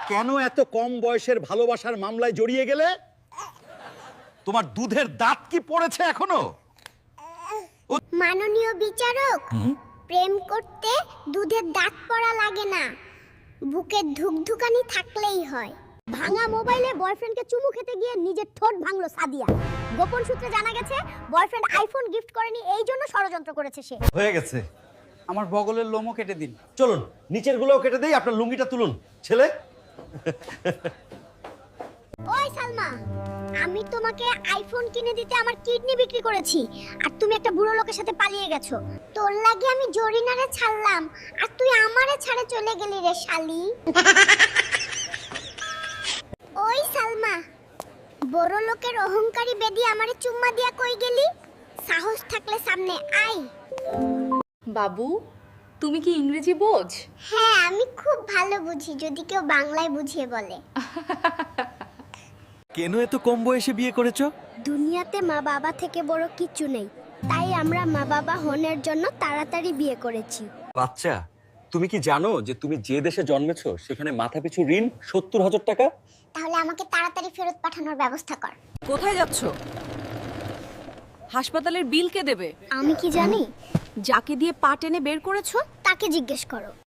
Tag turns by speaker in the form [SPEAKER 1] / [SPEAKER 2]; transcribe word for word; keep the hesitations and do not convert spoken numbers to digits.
[SPEAKER 1] কেন এত কম বয়সের ভালোবাসার মামলায় জড়িয়ে গেলে? তোমার দুধের দাঁত কি পড়েছে এখনো?
[SPEAKER 2] মাননীয় বিচারক, প্রেম করতে দুধের দাঁত পড়া লাগে না, বুকে ধুকধুকানি থাকলেই হয়। ভাঙা মোবাইলে বয়ফ্রেন্ডকে চুমু খেতে গিয়ে নিজের ঠোঁট ভাঙলো সাদিয়া। গোপন সূত্রে জানা গেছে বয়ফ্রেন্ড আইফোন গিফট করেনি, এই জন্য ষড়যন্ত্র করেছে সে।
[SPEAKER 1] হয়ে গেছে।
[SPEAKER 3] আমার বগলের লোমও কেটে দিন।
[SPEAKER 1] চলুন নিচের গুলোও কেটে দেই, আপনার লুঙ্গিটা তুলুন ছেলে।
[SPEAKER 2] ওই সালমা, আমি তোমাকে আইফোন কিনে দিতে আমার কিডনি বিক্রি করেছি, আর তুমি একটা বুড়ো লোকের সাথে পালিয়ে গেছো। তোর লাগি আমি জরিনারে ছাড়লাম, আর তুই আমারে ছাড়ে চলে গেলি রে শালি। ওই সালমা, বড় লোকের অহংকারী বেদি আমারে চুম্মা দিয়া কই গেলি? সাহস থাকলে সামনে আয়।
[SPEAKER 4] বাবু, তুমি কি ইংরেজি বোঝ?
[SPEAKER 2] হ্যাঁ, আমি খুব ভালো বুঝি, যদি কেউ বাংলায় বুঝিয়ে বলে।
[SPEAKER 5] কেন এত কম বয়সে বিয়ে করেছো?
[SPEAKER 2] দুনিয়াতে মা বাবা থেকে বড় কিছু নেই, তাই আমরা মা বাবা হনের জন্য তাড়াতাড়ি বিয়ে করেছি।
[SPEAKER 1] বাচ্চা, তুমি কি জানো যে তুমি যে দেশে জন্মেছো সেখানে মাথাপিছু ঋণ সত্তর হাজার টাকা?
[SPEAKER 2] তাহলে আমাকে তাড়াতাড়ি ফেরত পাঠানোর ব্যবস্থা কর।
[SPEAKER 4] কোথায় যাচ্ছ? হাসপাতালের বিল কে দেবে?
[SPEAKER 2] আমি কি জানি?
[SPEAKER 4] যাকে দিয়ে পা টেনে বের করেছো
[SPEAKER 2] তাকে জিজ্ঞেস করো।